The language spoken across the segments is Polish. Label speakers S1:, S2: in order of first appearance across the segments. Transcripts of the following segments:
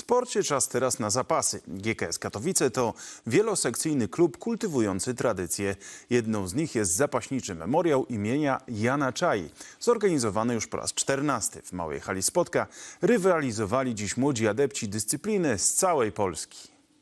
S1: sporcie czas teraz na zapasy. GKS Katowice to wielosekcyjny klub kultywujący tradycje. Jedną z nich jest zapaśniczy memoriał imienia Jana Czai. Zorganizowany już po raz 14. W Małej Hali Spodka rywalizowali dziś młodzi adepci dyscypliny z całej Polski.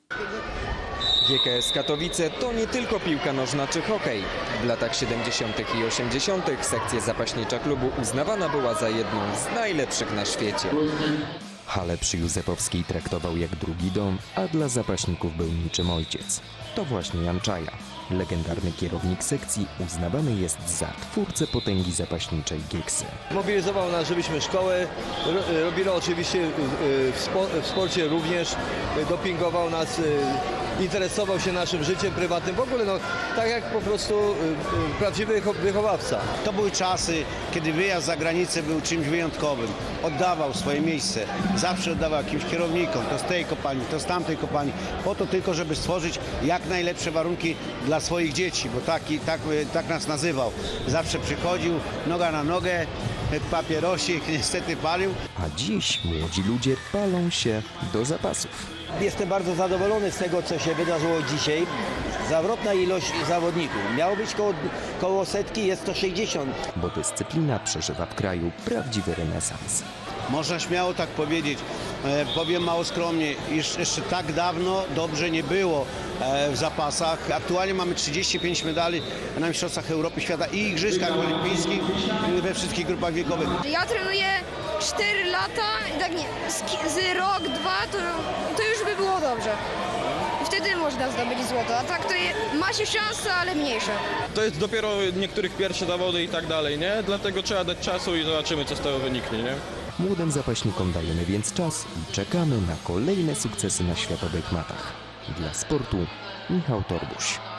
S2: GKS Katowice to nie tylko piłka nożna czy hokej. W latach 70. i 80. sekcja zapaśnicza klubu uznawana była za jedną z najlepszych na świecie. Halę przy Józefowskiej traktował jak drugi dom, a dla zapaśników był niczym ojciec. To właśnie Jan Czaja, legendarny kierownik sekcji, uznawany jest za twórcę potęgi zapaśniczej Gieksy.
S3: Mobilizował nas, żebyśmy szkołę robili oczywiście w sporcie również, dopingował nas, interesował się naszym życiem prywatnym, w ogóle no, tak jak po prostu prawdziwy wychowawca.
S4: To były czasy, kiedy wyjazd za granicę był czymś wyjątkowym. Oddawał swoje miejsce, zawsze oddawał jakimś kierownikom, to z tej kopalni, to z tamtej kopalni, po to tylko, żeby stworzyć jak najlepsze warunki dla swoich dzieci, bo tak nas nazywał. Zawsze przychodził, noga na nogę, papierosik niestety palił.
S2: A dziś młodzi ludzie palą się do zapasów.
S5: Jestem bardzo zadowolony z tego, co się wydarzyło dzisiaj. Zawrotna ilość zawodników. Miało być koło setki, jest to 60.
S2: Bo dyscyplina przeżywa w kraju prawdziwy renesans.
S4: Można śmiało tak powiedzieć, powiem mało skromnie, iż jeszcze tak dawno dobrze nie było w zapasach. Aktualnie mamy 35 medali na Mistrzostwach Europy, Świata i Igrzyskach Olimpijskich we wszystkich grupach wiekowych.
S6: Ja trenuję 4 lata i tak nie, z rok, dwa to już by było dobrze. I wtedy można zdobyć złoto, a tak to ma się szansa, ale mniejsza.
S7: To jest dopiero niektórych pierwsze zawody i tak dalej, nie? Dlatego trzeba dać czasu i zobaczymy, co z tego wyniknie, nie?
S2: Młodym zapaśnikom dajemy więc czas i czekamy na kolejne sukcesy na światowych matach. Dla sportu Michał Torbuś.